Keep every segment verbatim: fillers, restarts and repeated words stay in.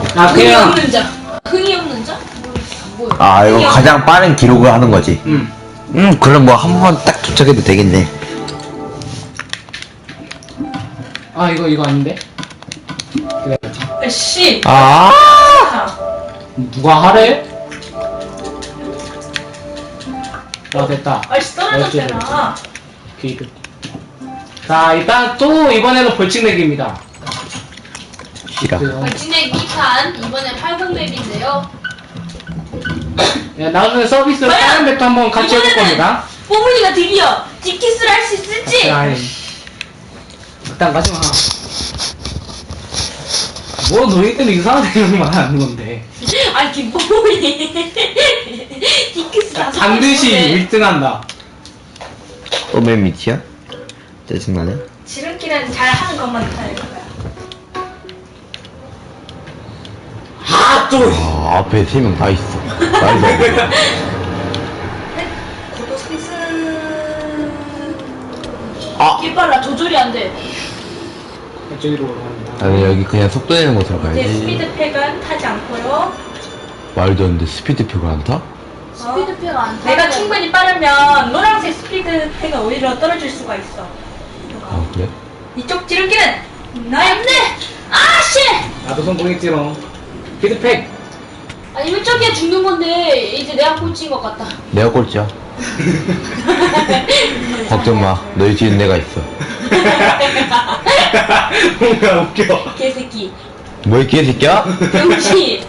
아 흥이 그냥 없는 자. 흥이 없는 자? 안 보여. 아 이거 가장 빠른 기록을 하는 거지. 음. 음 그럼 뭐 한 번만 딱 도착해도 되겠네. 아 이거 이거 아닌데? 그래. 씨. 아 누가 하래? 아 됐다. 아씨 떨어졌잖아. 기드. 자 일단 또 이번에는 벌칙 내기입니다. 싫어. 진행 이 판 이번에 팔공 맵인데요. 야, 나중에 서비스로 다른 맵도 한번 같이 해볼 겁니다. 뽀문이가 드디어 딥키스를 할 수 있을지. 아이. 일단 가지마. 뭐 너희들은 이상한 말 하는 건데. 아니 김뽀문이 딥키스 다 반드시 일 등 한다. 또맨 밑이야? 짜증나네. 지름길은 잘 하는 것만 하는 거야. 아 또. 아 앞에 세 명 다 있어. 말도 안 돼. 고도 상승. 아 길 빨라 조절이 안 돼. 이쪽으로 갑니다. 아니 여기 그냥 속도 내는 곳으로 이제 가야지. 스피드팩은 타지 않고요. 말도 안 돼. 스피드표가 안 타? 스피드팩가 안 타. 내가 충분히 빠르면 노란색 스피드팩은 오히려 떨어질 수가 있어. 아 그래? 이쪽 지름길은 나였네. 아씨. 나도 성공했지롱. 피드팩. 아니 이쪽이야 죽는 건데 이제 내가 꼴찌인 것 같다. 내가 꼴찌야. 걱정 마. 너희 뒤엔 내가 있어. 뭔가 웃겨. 개새끼. 뭐야 개새끼야? 병신.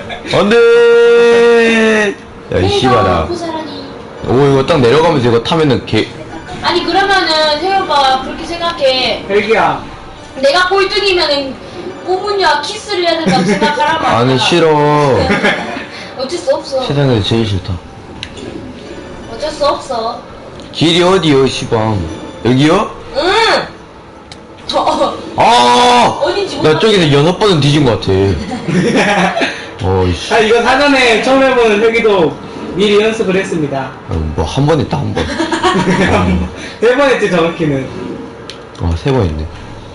안돼. 야이 씨발아. 고사라니. 오 이거 딱 내려가면서 이거 타면은 개. 아니 그러면은 세호가 그렇게 생각해. 헬기야. 내가 꼴등이면은 꼬문이와 키스를 해야 된다고 생각하란 말이야. 아니 싫어. 어쩔 수 없어. 세상에서 제일 싫다. 어쩔 수 없어. 길이 어디요 시방? 여기요? 응. 어, 아! 어딘지 나 몰라. 저기서 여섯 번은 뒤진 것 같아. 어이씨. 아 이거 사전에 처음 해보는 헬기도 미리 연습을 했습니다. 뭐 한 번 했다 한 번. 어, 세 번 했지 정확히는. 어, 세 번 했네.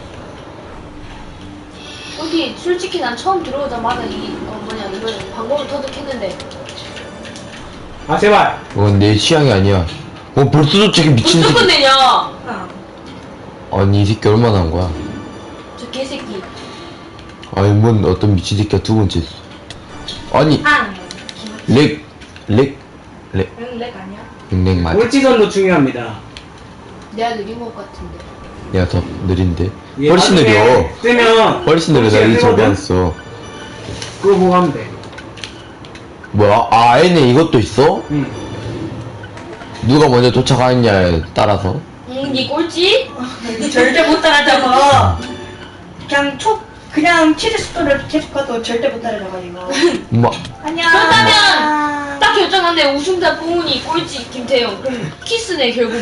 여기 솔직히 난 처음 들어오자마자 이 어, 뭐냐 이거 방법을 터득했는데. 아 제발. 그건 내 취향이 아니야. 어 벌써 도착해 미친 무슨 새끼. 건데냐? 아니 이 새끼 얼마나 한 거야? 저 개새끼. 아니 뭔 어떤 미친 새끼가 두 번째. 아니 앙. 렉 렉 렉 응, 렉 아니야? 렉 맞아. 물지선도 중요합니다. 내가 느린 것 같은데. 내가 더 느린데. 이게 훨씬 나중에 느려. 뜨면 훨씬 느려. 나 이제 저기 왔어. 그거 보고 하면 돼. 뭐야? 아 얘네 이것도 있어? 응. 누가 먼저 도착하느냐에 따라서. 응, 니 꼴찌? 절대 못 따라잡아. 그냥 초 그냥 치즈 속도를 계속 가도 절대 못 따라잡아 이거. 뭐 안녕. 그렇다면 딱 결정한데 우승자 뽕훈이 꼴찌 김태형. 그럼 키스네 결국.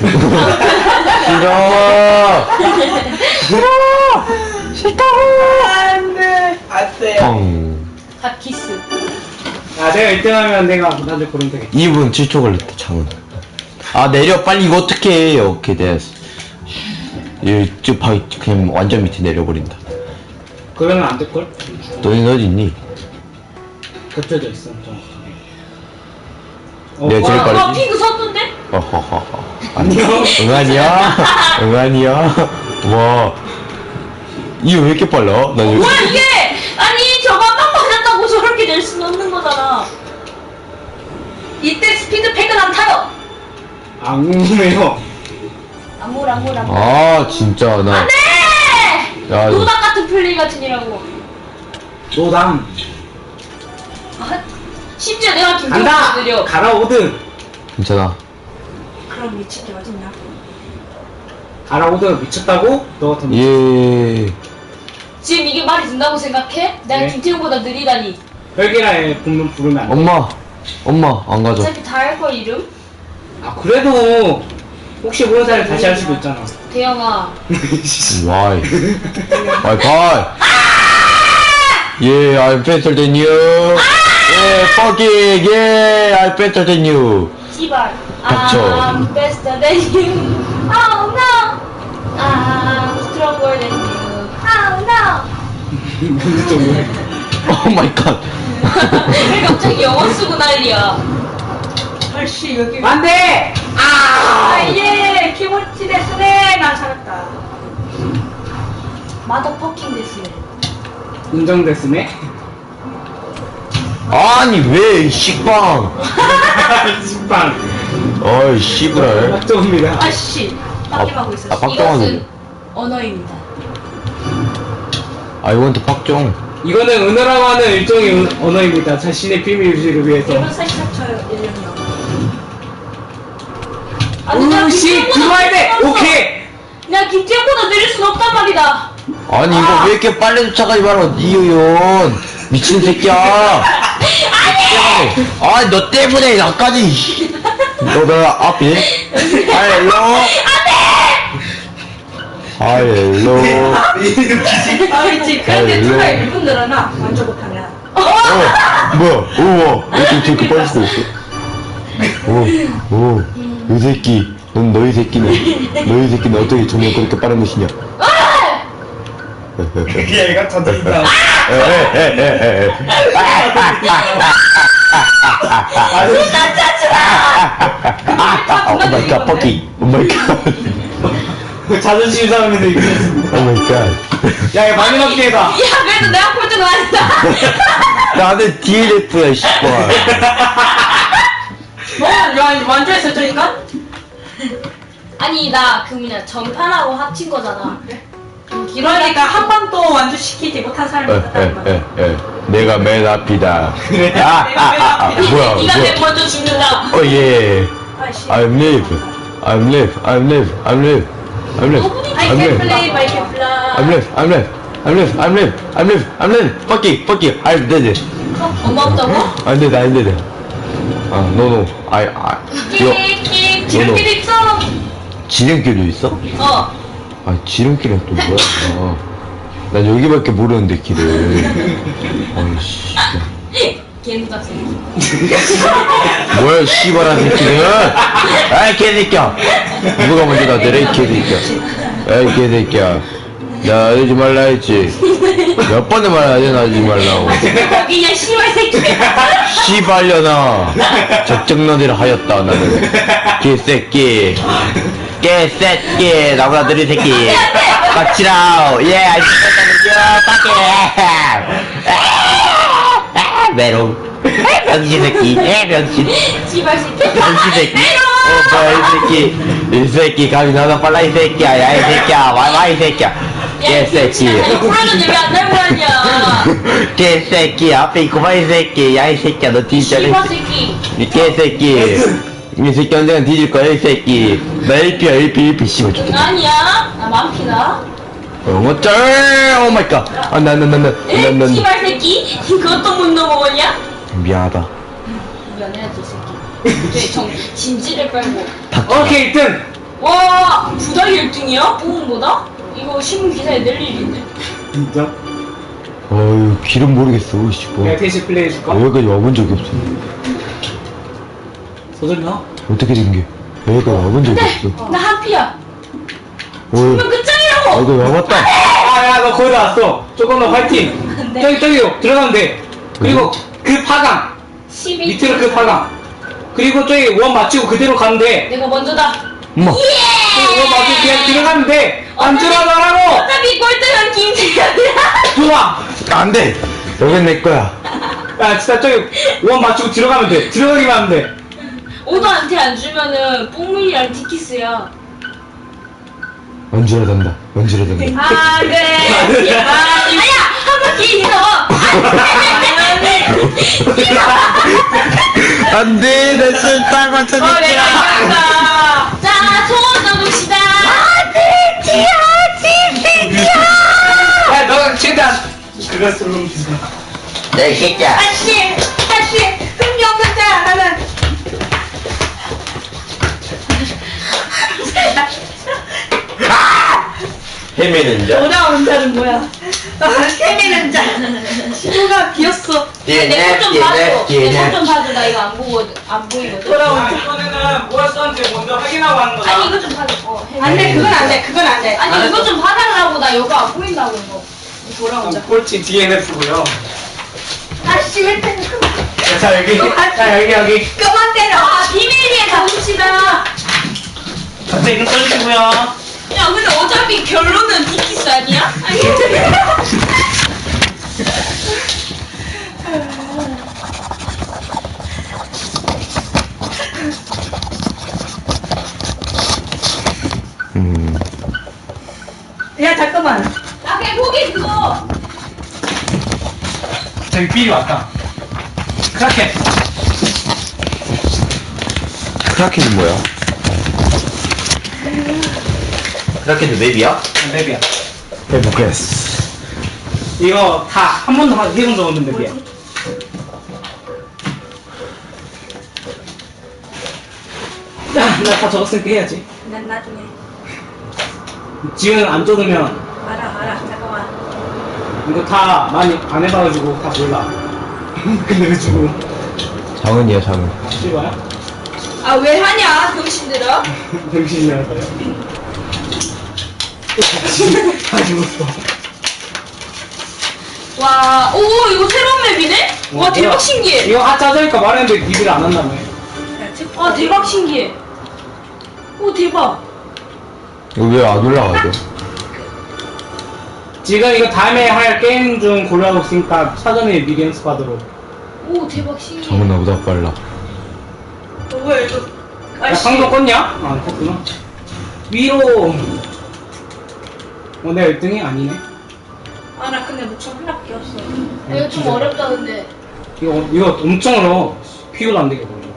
싫어. 싫다고. 안돼. 안돼. 펑. 다 키스. 아 내가 일 등 하면 내가 나중에 고르면 되겠다. 이 분 칠 초 걸렸다 창은. 아 내려 빨리 이거 어떻게 해? 오케이 됐어. 이쪽 바 그냥 완전 밑에 내려버린다. 그러면 안 될걸? 너는 어디 있니? 겹쳐져 있어 정확하게. 어, 내가 제일 와, 빠르- 와 핑크 섰던데? 어허허허. 안녕. 응 아니야? 응 아니야? 와. 이거 왜 이렇게 빨라? 나 이거. 뭐야 이게? 아니 저거 딱 맞았다고 저렇게 낼 수는 없는 거잖아. 이때 스피드팩은 안 타요. 안 궁금해요. 안물 안물 안물. 아 진짜 나. 안돼. 야 이거. 노닥 같은 플레이 같으니라고. 노담. 아, 심지어 내가 간다. 김태형보다 느려. 가라 오든. 괜찮아. 그럼 미친 게 어딨냐? 가라 오든 미쳤다고? 너 같은. 예. 지금 이게 말이 된다고 생각해? 내가 네. 김태형보다 느리다니. 헬기라에 부르면 부르면 안 돼. 엄마. 엄마 안 가져. 어차피 다 할 걸 이름? 아 그래도 혹시 모르는 사람이 다시 할 수도 있잖아. 대영아. Why? Why? Why? Yeah, I'm better than you. Yeah, fuck it. Yeah, I'm better than you. 씨발. 닥쳐. I'm better than you. Oh no. I'm stronger than you. Oh no. 무슨 소리야? 오 마이 갓. 왜 갑자기 영어 쓰고 난리야? 아씨 여기. 안돼. 아. 아예 키모치 데스네. 난 살았다. 마더 퍼킹 됐어요. 인정됐으네. 아니 왜 식빵. 식빵. 어이 씨부랄. 박정입니다. 아씨. 빡김하고 아, 있었어. 빡정하네. 이것은 언어입니다. 아 이건 또 박정. 이거는 은어라고 하는 일종의 은- 언어입니다. 자신의 비밀 유지를 위해서. 일본 사실상 쳐요. 일령요. 아니, 나 우씨 김태형보다 들어와야 돼. 느릴 수 없어. 오케이. 나 김태형보다 느릴 순 없단 말이다. 아니 이거 왜 이렇게 빨리 쫓아가지 마라 이효연 미친 새끼야. 아니 너 때문에 나까지. 너나 앞에 하일로 하일로. 아니지. 그런데 아이고. 누가 일 분 늘어나 완전 못하면. 어 뭐야 우와 어떻게 저렇게 빨리 쓰고 있어. 오오이 새끼 넌 너희 새끼는 너희 새끼는 어떻게 조명 그렇게 빠른 것이냐. 그게 얘가 터진다. 오 마이 갓 퍼키 오 마이 갓 자존심 상하면서 이겼습니다. 오 마이 갓. 야, 이거 마지막 기회다. 야, 그래도 내가 꼴등은 아니다. 나는 디엘에프야 씨발. 뭐 야, 완전 했었으니까. 아니, 나 그 뭐냐, 전판하고 합친 거잖아. 그러니까 한 번도 완주 시키지 못한 사람이 있다는 거야. 에에에 내가 맨 앞이다. 그래. 아, 아, 아, 아, 뭐야, 네가 뭐야. 맨 먼저 죽는다. 어, 예. 아이씨. I'm live. I'm live. I'm live. I'm live. I'm live. I I'm can live. play by can fly. I'm live. I'm live. I'm live. I'm live. I'm live. I'm live. Fuck you. Fuck you. I'm dead. 엄마 없다고? I'm dead. I'm dead. 아, no, no. I, I. 이거 끽끽 지름길 있어. 지름길도 있어? 어. 아, 지름길은 또 뭐야? 아, 난 여기밖에 모르는데 길을. 아이씨. 개누다 새끼. 뭐야, 씨발한 새끼는! 아이, 개새끼야! 누가 먼저 나 내려, 이 개새끼야. 에이, 개새끼야. 나 하지 말라 했지. 몇 번을 말하지, 나 하지 말라고. 거기냐 씨발 새끼. 씨발려나. 적정너리를 하였다, 나는. 개새끼. 개새끼. 나보다 느린 새끼. 빡치라우. 예, 알겠다. 빡게. 메롱. 병신 새끼. 에, 병신. 씨발 새끼. 병신 새끼. 어, 뭐야, 이 새끼. 이 새끼, 감이 나나 빨라, 이 새끼야. 야, 이 새끼야. 와, 와, 이 새끼야. 개새끼. 불러줬는데 왜 안 달고 하냐. 개새끼. 앞에 있구만, 이 새끼. 야, 이 새끼야. 너 진짜. 씨발 새끼. 이 개새끼. 이 새끼 언젠간 뒤질 거야, 이 새끼. 나 일피야, 일피, 일피, 씨발, 좋겠다. 아니야. 나 만피다. 어, 쩔! 오 마이 갓. 아, 나, 나, 나, 나, 나, 에? 나, 나. 씨발 새끼. 그것도 못 넘어가냐? 미안하다. 미안해야지 새끼. 쟤 정, 진지를 빨고. 오케이, 일 등. 와, 부달 일 등이야? 뽀은보다? 이거 신문 기사에 낼 일인데. 진짜? 어휴, 길은 모르겠어, 씨, 뭐. 내가 대신 플레이 해줄까? 여기까지 와본 적이 없어. 소절나? 어떻게 된 게? 여기까지 와본 적이 근데 없어. 나 한피야. 어, 이거 아, 끝장이라고. 이거 와봤다. 아, 야, 너 거의 다 왔어. 조금 더 화이팅. 네. 저기, 저기요. 들어가면 돼. 그리고 그 파강. 십이. 밑으로 그 파강. 그리고 저기 원 맞추고 그대로 가면 돼. 내가 먼저다. 엄마. 저기 원 맞추고 그냥 들어가면 돼. 안 어차피- 들어가라고. 어차피 꼴등은 김태현이야. 좋아. 안 돼! 여긴 내 거야. 야, 진짜 저기 원 맞추고 들어가면 돼. 들어가기만 하면 돼. 오도한테 안 주면은 뽕물이랑 티키스야. 얹으라 된다. 얹으라 된다. 아 그래. 아, 아야 한 바퀴 있어. 안 돼! 내 술딱 어 맞춰줄게. 내가 이겼다. 자 소원 넣읍시다. 티야 티야. 야, 너 최대한 그것으로 주자. 내 새끼야. 아씨, 아씨, 흥미 없는 자, 나는. 헤매는 자. 돌아오는 자는 뭐야? 아, 헤매는 자. 신호가 비었어. 내손좀 봐줘. 내 손 좀 봐줘. 나 이거 안 보고 안 보이거든. 돌아오는 자. 이번에는 뭐가 썼는지 먼저 확인하고 하는 거다. 아니 이거 좀 봐줘. 어, 해. 안 돼, 그건 안 돼, 그건 안 돼. 아니 이거 좀 봐달라고. 나 이거 안 보인다고 이거. 돌아오자. 꼴찌 디엔에프고요. 씨발 때려. 자, 여기. 자, 여기, 여기. 그만 때려. 아, 비밀리에 가봅시다. 갑자기 이름 써주시고요. 야, 근데 어차피 결론은 이키스 아니야? 아니, 음. 야 잠깐만. 나 그냥 포기 그거. 저기 비리 왔다. 크라켄. 크라켄이 뭐야? 크라켄도 맵이야? 맵이야. 해보겠어. 이거 다 한 번도 해본 적 없는 맵이야. 야, 나 다 적었으니까 해야지. 난 나중에. 지금 안 적으면 알아, 알아. 잠깐만. 이거 다 많이 안 해봐가지고 다 몰라. 근데 왜 주고? 장은이야, 장은. 씨발야? 아, 왜 하냐, 병신들아? 병신이라서요. 다 죽었어. 와, 오, 이거 새로운 맵이네? 와, 대박 신기해. 이거 아 짜자니까 말했는데 니들이 안 한다며. 아, 대박 신기해. 오, 대박. 이거 왜 안 올라가죠? 지금 이거 다음에 할 게임 중 고려하고 있으니까 사전에 미리 연습하도록. 오, 대박 신기해. 장은 나보다 빨라. 어, 뭐야 이거. 야, 상도 껐냐? 아, 껐구나. 위로. 어, 내가 일 등이 아니네. 아, 나 근데 목청 하나밖에 없어. 이거 좀 어렵다, 근데. 이거, 이거 엄청 어려워. 피우도 안 되게 보여.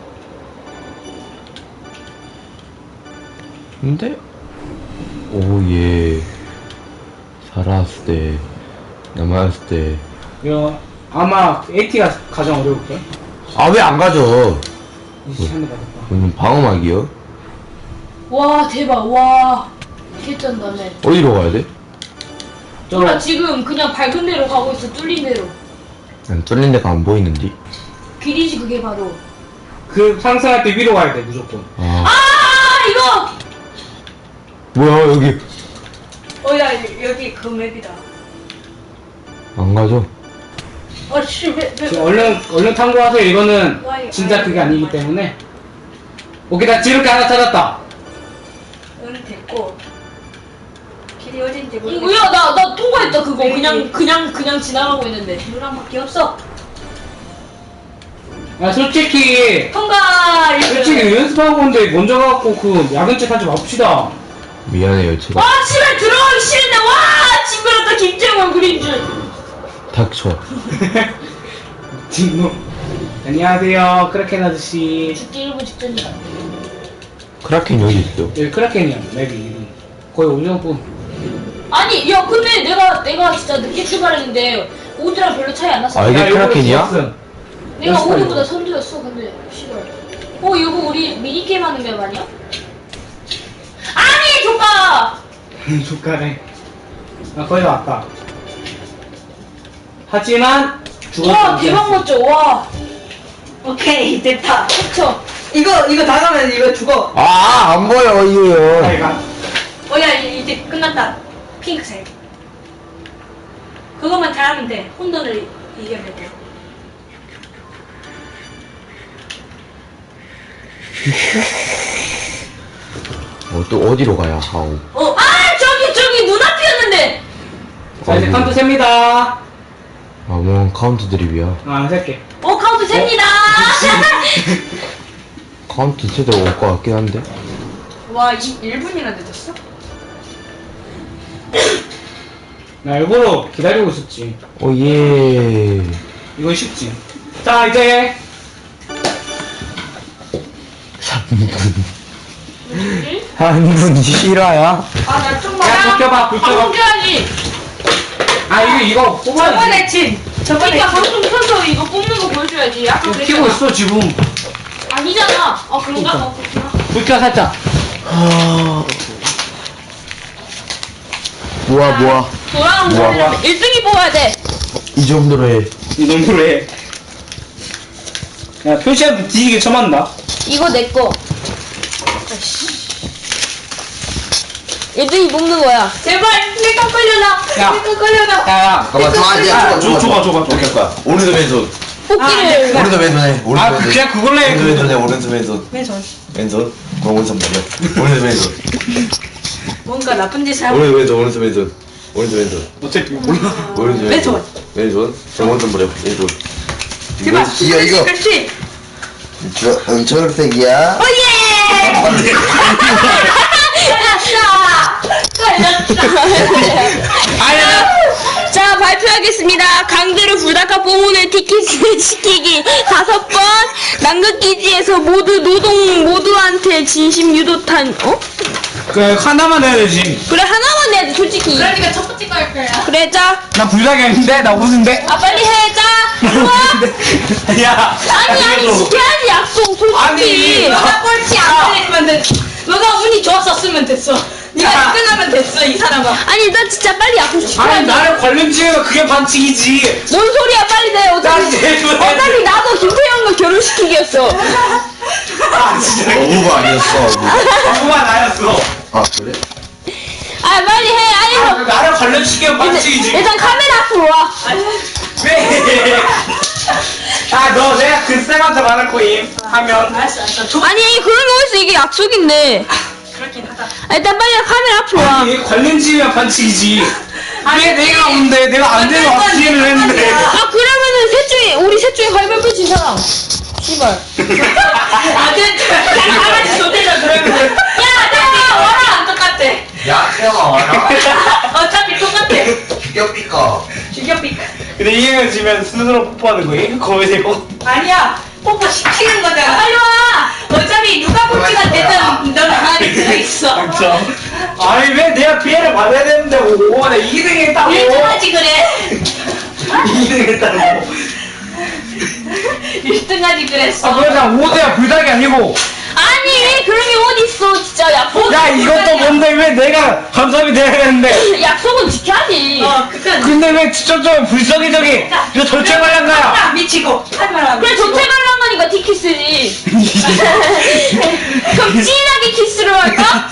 근데? 오예. 살았을 때, 남았을 때. 이거 아마 에이티가 가장 어려울걸? 아, 왜 안 가져? 이십삼 대 가졌다. 무슨 방어막이요? 와, 대박, 와. 개쩐다, 네. 어디로 가야 돼? 몰라, 저, 지금 그냥 밝은 데로 가고 있어, 뚫린 데로. 난 뚫린 데가 안 보이는데. 길이지, 그게 바로. 그 상승할 때 위로 가야 돼, 무조건. 아. 아, 이거! 뭐야, 여기. 어, 야 여기 그 맵이다. 안 가죠? 아, 씨, 왜, 왜, 지금 얼른, 얼른 탐구하세요. 이거는 와이, 진짜 와이, 그게 와이, 아니기 와이. 때문에. 오케이, 나 지름길 하나 찾았다. 응 됐고. 길이 어딘지 모르겠어. 이거야, 나, 나 통과했다, 그거. 네, 그냥, 네. 그냥, 그냥 지나가고 있는데. 노랑밖에 없어. 야, 솔직히, 통과! 솔직히 연습하고 온데 먼저 가갖고 그 야근책 하지 맙시다. 미안해요, 제가. 와, 집에 들어가기 싫은데, 와! 징그럽다, 김정은 그린 줄. 닥쳐. 진노. 안녕하세요, 크라켄 아저씨. 죽기 일 분 직전이다. 크라켄 여기 있어. 여기 크라켄이야, 맵이 이름. 거의 오정뿐. 아니, 야, 근데 내가, 내가 진짜 늦게 출발했는데, 오드랑 별로 차이 안 났어. 아, 이게 크라켄이야? 내가 연습하려고. 오드보다 선두였어, 근데. 싫어. 어, 이거 우리 미니게임 하는 맵 아니야? 아니, 조카! 조카래. 아, 거의 다 왔다. 하지만, 죽었다. 와, 대박 멋져, 와. 오케이 됐다. 그쵸? 이거 이거 다 가면 이거 죽어. 아, 안 보여, 이거요. 자기가. 어, 야, 이제 끝났다. 핑크색. 그것만 잘하면 돼. 혼돈을 이겨낼 때. 어, 또 어디로 가야 하오. 어, 아, 저기, 저기, 눈앞이었는데! 자, 이제 어디? 카운트 셉니다. 아, 뭐, 카운트 드립이야. 아, 안 셀게. 어, 카운트 셉니다! 카운트 제대로 올 것 같긴 한데. 와, 이 일 분이나 늦었어? 나 일부러 기다리고 있었지. 오, 예. 이건 쉽지. 자, 이제. 삼 분. 한 분 실화야? 아, 나 좀만. 야, 불 켜봐, 불 켜봐. 방송해야지. 아, 이거, 이거 뽑아야지. 저번에 친. 저번에 그러니까 친. 방송 켜서 이거 뽑는 거 보여줘야지. 아까 이거 그랬잖아. 켜고 있어, 지금. 아니잖아. 아, 그런가? 그러니까. 어, 그렇구나. 불 켜, 살짝. 하... 뭐야, 뭐야. 돌아온 우와. 거는 일 등이 뽑아야 돼. 이 정도로 해. 이 정도로 해. 야, 표시한테 뒤지게 쳐맞는다. 이거 내 거. 일 등이 뽑는 거야. 제발 내거 걸려라. 야. 내거 걸려라. 야야 잠깐만, 저 아니야. 줘, 줘봐, 줘봐, 줘봐. 어떻게 할 거야? 오른손 왼손. 뽑기를. 오른손 왼손 해. 아 오른손 왼손. 그냥 그걸로 해. 오른손 왼손 해. 오른손 왼손. 왼손. 왼손. 그럼 오른손 버려. 오른손 왼손. 뭔가 나쁜 짓을 하고. 오른손 왼손. 오른손 왼손. 오른손 왼손. 어차피 몰라. 오른손 왼손. 왼손. 그럼 오른손 버려. 왼손. 제발. 이거 이거. 그렇지. 저 음, 초록색이야. 오예. 자, 발표하겠습니다. 강제로 불닭과 뽀문을 티켓을 시키기 다섯 번. 남극기지에서 모두 노동 모두한테 진심 유도탄. 어? 그 하나만 해야 되지. 그래 하나만 내야지 솔직히. 그러니까 첫 번째 거 할 거야. 그래 자. 나 불닭이 아닌데 나 웃은데. 아 빨리 해 자. 좋아. 야. 아니 아니 지켜야지 약속 솔직히. 아니. 너가 꼴찌 안 걸리면 돼. 너가 운이 좋았었으면 됐어. 네가 야. 끝나면 됐어 이 사람아. 아니 나 진짜 빨리 약속 아니 지켜야지. 나를 관련지가 그게 반칙이지. 뭔 소리야 빨리 내. 나 어차피 제발. 어차피 나도 김태형과 결혼시키기였어. 아 진짜. 어부가 아니었어. 어부. 아무만 나였어. 아 그래? 아 빨리 해. 아니 아, 뭐. 나를 관련시키면 일단, 반칙이지. 일단 카메라 앞으로 와. 왜? 아, 너 내가 글쎄한테 말할 거임. 하면. 알았어 알았어. 두 아니 그런 거 어딨어 이게 약속인데. 그렇긴 하다. 아, 일단 빨리 카메라 앞으로 와. 아니, 관련지면 반칙이지. 왜 내가 온데, 내가 안 되면 없기를 했는데. 아 그러면은 셋 중에 우리 셋 중에 가위바위보 진 사람. 씨발. 아 됐다. 야 가만히 조대자 그러면. 야 내가 와라 똑같아. 야 태영아 와라. 어차피 똑같아. 죽여 삐까. 죽여 삐. 근데 이행을 지면 스스로 뽀뽀하는 거임? 거기 대고. 아니야. 뽀뽀 시키는 거잖아. 빨리 와. 어차피 누가 꼴찌가 되든 너는 가만히 들어있어. 그렇죠. 아니, 왜 내가 피해를 받아야 되는데, 오, 나 이 등 했다고. 일 등 하지 그래. 이 등 했다고. 일 등 하지 그랬어. 아, 그러자 오 대야 불닭이 아니고. 아니 그런 게 어딨어 진짜 약속. 야, 이것도 뭔데, 왜 내가 감사합이 돼야 되는데. 약속은 지켜야지. 어 그건. 근데 왜 직접적으로 불성의적인 이거 절제 관련 거야? 야 미치고 하지 마라. 그래 미치고. 조퇴 관람하니까 티키스지. 그럼 진하게 키스를 할까?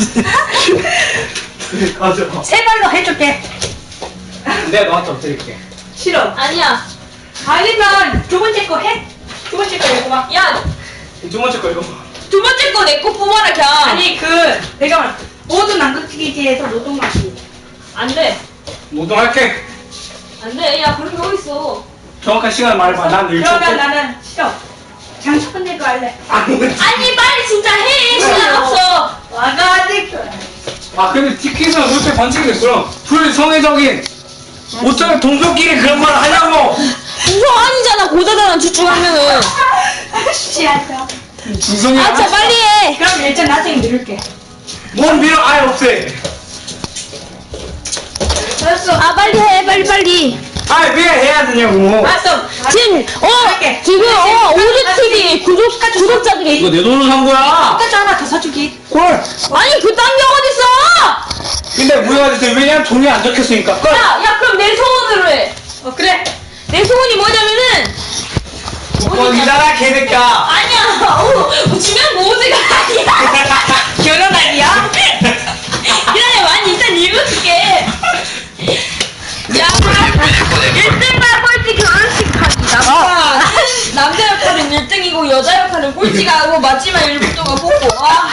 맞아. 세 발로 해줄게. 내가 너한테 엎드릴게. 싫어. 아니야. 아니면 두 번째 거 해. 두 번째 거 이거 봐. 야 두 번째 거 이거. 두 번째 거 내 거 뽑아라 그냥. 아니 그 내가 말 모든 남극기지에서 노동마기. 안 돼. 노동할게. 안 돼. 야 그런 게 어딨어. 정확한 시간 말해봐. 난 일 초. 그러면 나는 싫어. 장첫 번째 거 할래. 아니, 아니 빨리 진짜 해. 시간 없어. 와가지고. 아 근데 티켓은 솔직히 반칙이 그럼 불성의적인 어쩌면 동족끼리 그런 걸 하냐고. 우성 아니잖아 고자잖아 주축하면은. 아씨 알다. 중성이 아 진짜 빨리 해. 그럼 일단 나중에 누를게. 뭔 밀어 아예 없애. 알았어. 아 빨리 해 빨리 빨리. 아 왜 해야 되냐고. 알았어. 지금 어 할게. 지금 어 오즈티비 구독 구독자들이 이거 내 돈으로 산 거야. 끝까지 하나 더 사주기. 꼴. 아니 그딴 게 어딨어? 근데 무효가 됐어. 왜냐면 돈이 안 적혔으니까. 꼴. 야, 야 그럼 내 소원으로 해. 어 그래. 내 소원이 뭐냐면은 꼴이잖아 개새끼야. 아니야. 어, 주면 모두가 아니야. 결혼 아니야? 기다려 많이 일단 읽어줄게. 자, 일 등만 꼴찌 결혼식 하기. 남자 남자 역할은 일 등이고 여자 역할은 꼴찌가 하고 마지막 일 분 동안 뽑고. 와.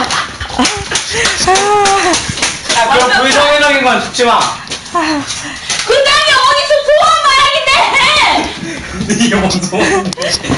야 그럼 불성의적인 건 듣지 마. 그다음에 어디서 소원 말하긴데? 이게 뭔 소원?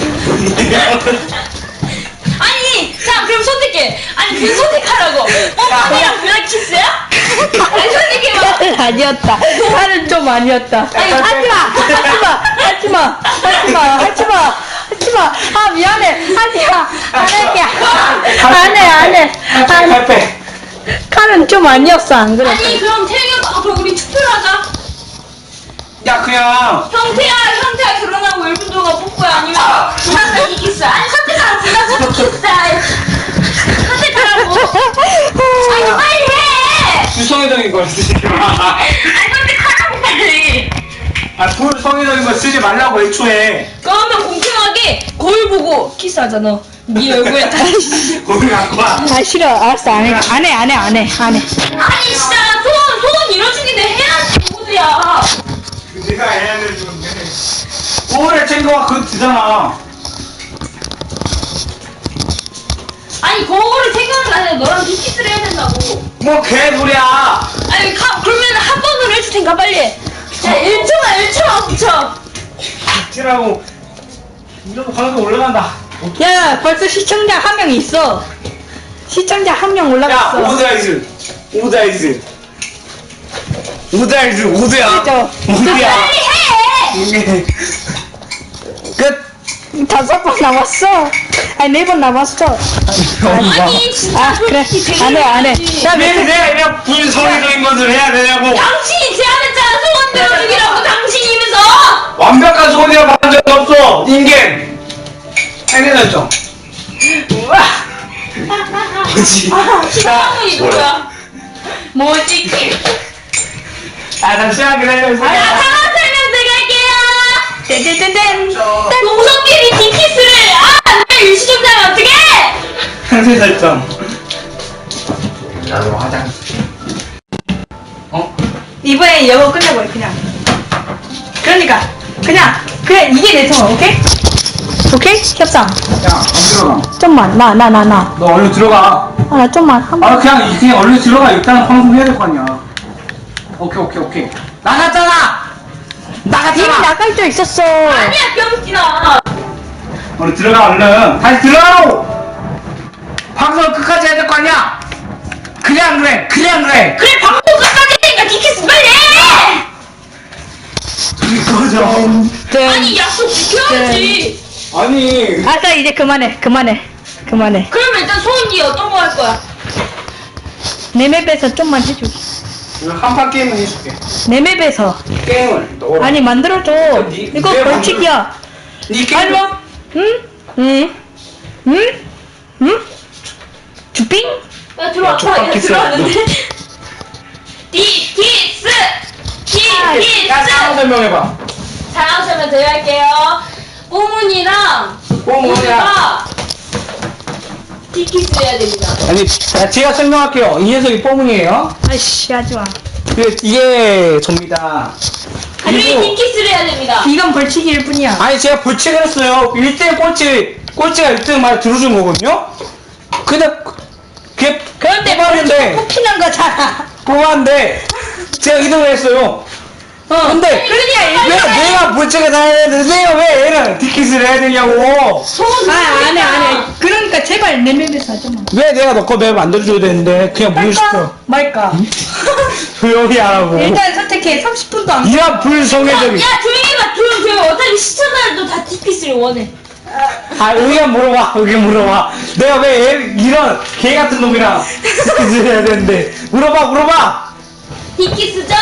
아니, 자 그럼 선택해. 아니 그 선택하라고. 뽀뽀이랑 그냥 키스야? 아니 선택해봐. 아니었다. 나는 좀 아니었다. 아니 하지마, 하지마, 하지마, 하지마, 하지마, 하지마. 아 미안해. 하지마. 안 할게. 안 해, 안 해. 팔빼. 칼은 좀 아니었어 안 그래? 아니 그럼 태영이 아 그럼 우리 투표를 하자. 야 그냥. 형태야, 형태야 결혼하고 일 분 동안 뽑고야 아니면 부산사기 키스. 아니 선택하라 부산사기 키스. 선택하라고. 아니 빨리 해. 불성의적인 걸 쓰지 마. 아니 선택하라고 빨리. 아 불성의적인 걸 쓰지 말라고 애초에. 그러면 공평하게 거울 보고 키스하자 너. 네 얼굴에 다. 거기 갖고 와. 아 싫어. 알았어. 안 해. 안 해. 안 해. 안 해. 안 해. 아니 진짜 소원 소원 이뤄주기는 해야지 모두야. 네가 해야 될 건데. 오래 챙겨와 그거 주잖아. 아니 그거를 생각을 안 해. 너랑 디키스를 해야 된다고. 뭐 개소리야. 아니 가, 그러면 한 번으로 해줄 테니까 빨리. 자 일 초만 일 초만 붙여. 티라고 이러고 방송 올라간다. 야, 벌써 시청자 한 명 있어. 시청자 한 명 야 올라갔어. 오다이즈 오다이즈 오다이즈 오드야. 그죠? 오드야. 빨리 해. 끝. 다섯 번 남았어. 아니 네 번 남았어. 아니 진짜 아 그래. 솔직히 안 해, 안 해. 되게 야, 왜 몇 내가 이런 불성의적인 것을 해야 되냐고. 당신이 제안했잖아 소원 들어주기라고 당신이면서. 완벽한 소리를 받은 적 없어. 인간. 해내놨죠. 뭐지? 시청자분이 누구야? 뭐지? 아 잠시만 기다려. 자 상황 설명 들어갈게요. 땡땡땡땡. 동성끼리 디키스를 아내 일시정자면 어떡해? 상세 설정. 나도 화장. 어? 이번에 영어 끝내고 해 그냥. 그러니까 그냥 그래 이게 내 통화. 오케이? 오케이? 협상. 야, 안 들어가. 좀만 나 나 나 나. 너 얼른 들어가. 아 나 좀만 한 번. 아, 그냥, 그냥 얼른 들어가. 일단 방송 해야 될 거 아니야. 오케이, 오케이, 오케이. 나갔잖아! 이미 나갔잖아! 나갈 줄 있었어. 아니야 병신아. 얼른 들어가, 얼른. 다시 들어가라고! 방송 끝까지 해야 될 거 아니야? 그냥 그래, 그냥 그래! 그래 방송 끝까지 했으니까 디키스 빨리 해. 꺼져. 아니 약속 지켜야지. 아니. 알았어 이제 그만해 그만해 그만해. 그러면 일단 소은이 어떤 거 할 거야? 내 맵에서 좀만 해줘. 한판 게임은 해줄게. 내 맵에서. 게임을. 넣어라. 아니 만들어줘. 니- 이거 내 벌칙이야. 니 게임. 알로? 응? 응? 응? 응? 주빙? 야 들어와 족밥 야 키스. 들어왔는데. 디키스 디키스. 야, 상황 설명해봐. 상황 설명 드릴게요. 뽀문이랑 뽀문이랑. 우주가 디키스 해야 됩니다. 아니, 자, 제가 설명할게요. 이 녀석이 뽀문이에요. 아이씨 하지마. 그, 이게 접니다. 우리 그리고, 디키스를 해야 됩니다. 이건 벌칙일 뿐이야. 아니, 제가 벌칙을 했어요. 일 등 꼴찌, 꼴찌가 일 등 말 들어준 거거든요? 근데, 그게, 그런데 뽑았는데, 뽑히는 거잖아. 뽑았는데, 제가 이 등을 했어요. 어. 근데, 그러니까 왜, 내가 벌칙을 다 해야 되는데, 내가 왜 얘는 디킷을 해야 되냐고. 소은 아, 안 해, 안 해. 그러니까 제발 내 맵에서 하자마. 왜 내가 너거 맵 만들어줘야 되는데, 그냥 무시시켜. 할까? 말까? 조용히 하라고. 일단 선택해. 삼십 분도 안 이런 불성애적인. 야 조용히 해봐 조용 조용. 어차피 시청자들도 다 디키스를 원해. 아, 의견 물어봐, 의견 물어봐. 내가 왜 얘, 이런 개 같은 놈이랑 디킷을 해야 되는데. 물어봐, 물어봐! 디키스죠?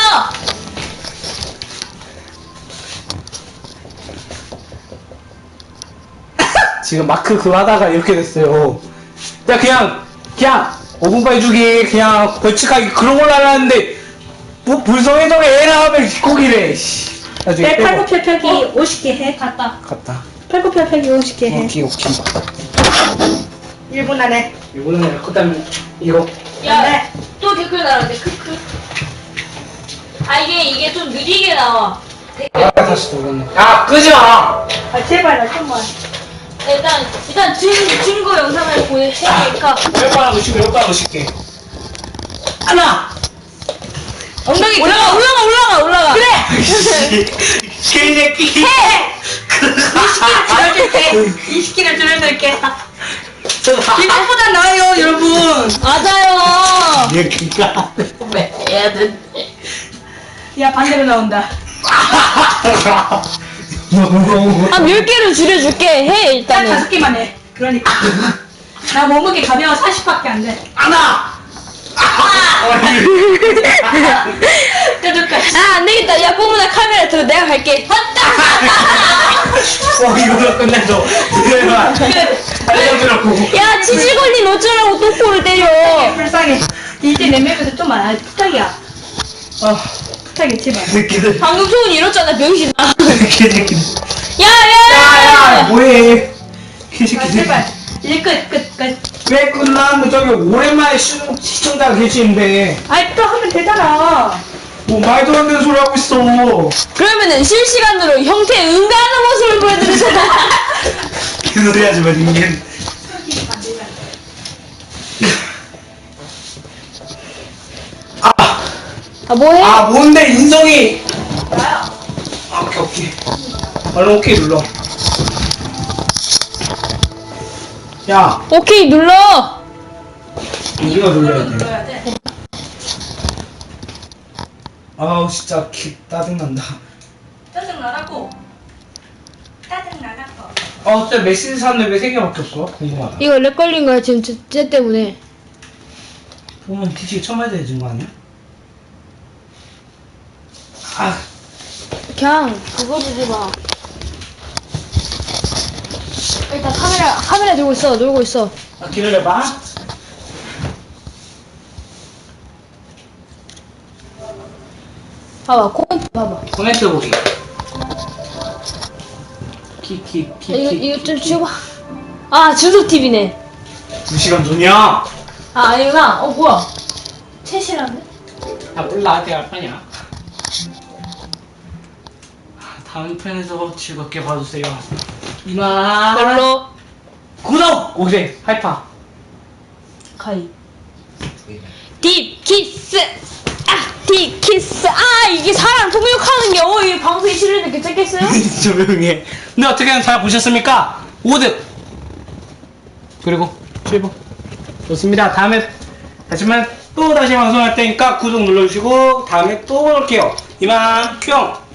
지금 마크 그거 하다가 이렇게 됐어요. 야, 그냥, 그냥, 오 분 해주기, 그냥, 벌칙하기, 그런 걸로 하려는데, 뭐, 불성애적인 애랑 하면 거기래, 씨. 나중에 내 빼고. 팔굽혀펴기 오십 개 해. 갔다. 갔다. 팔굽혀펴기 오십 개 해. 오케이, 오케이. 일 분 안에. 이거는 내가 그 다음에, 이거. 야 네. 또 댓글 달았네. 크크. 아 이게 이게 좀 느리게 나와. 댓글. 아, 다시 돌렸네. 야, 끄지 마! 아 제발 나 좀만. 일단 일단 증 증거 영상을 보여주니까 몇번 넣으시게, 몇번 넣으실게. 하나! 엉덩이 올라가 올라가 올라가 올라가. 그래. 개새끼! 이십 개를 줄여줄게. 이것보다 나아요, 여러분. 맞아요. 얘 그니까. 야 반대로 나온다. 한 열 개를 줄여줄게 해 딱 일단은. 다섯 개만 해. 그러니까. 나 몸무게 가벼워 사십밖에 안 돼. 하나! 뾰족해. 아 안되겠다. 야 뽀문아 카메라 들어 내가 갈게. 어, 이거로 끝내줘. 그래봐. 알려주라고. 야 치질 걸린 어쩌라고 똥꼬를 때려. 불쌍해. 이제 내 맵에서 좀 많아. 부탁이야. 아, 부탁해 제발. 새끼들. 방금 소은 이렇잖아 병신아. 개새끼들. 야야야. 야, 야, 뭐해. 아 개새끼들. 제발. 이제 끝, 끝, 끝. 왜 끝나는데 저기 오랜만에 시, 시청자가 계시는데 아이, 또 하면 되잖아. 뭐 말도 안 되는 소리 하고 있어. 그러면은 실시간으로 형태의 응가하는 모습을 보여드리잖아. 그 소리 하지 마, 닝겐. 아, 아 뭐해? 아, 뭔데, 인성이. 나야. 아, 오케이, 오케이. 얼른 오케이 눌러. 야, 오케이 눌러. 우리가 눌러야 돼. 아우, 진짜 기, 짜증난다. 짜증나라고. 짜증나라고. 아, 진짜 메시지 샀는데 왜 세 개밖에 없어? 궁금하다. 이거 렉 걸린 거야 지금 쟤, 쟤 때문에. 보면 뒤지게 쳐맞아야 되는 거 아니야? 아, 그냥 그거 주지 마. 일단 카메라 카메라 들고 있어 놀고 있어. 아 기다려봐. 봐봐 코멘트 봐봐. 코멘트 보기. 키키 키. 이거 이거 좀 줘봐. 아 준석 티비네. 두 시간 전이야. 아 아니구나. 어 뭐야? 챗이라네. 아 몰라, 내가 알 거냐. 다음 편에서 즐겁게 봐주세요. 이만. 별로. 구독. 오케이 하이파. 가이. 딥 키스. 아, 딥 키스. 아 이게 사람 폭력하는 게 어, 이 방송이 싫은데 괜찮겠어요? 조용해. 근데 어떻게든 잘 보셨습니까? 오 등. 그리고 칠 번. 좋습니다. 다음에 하지만 또 다시 방송할 테니까 구독 눌러주시고 다음에 또 볼게요. 이만 뿅.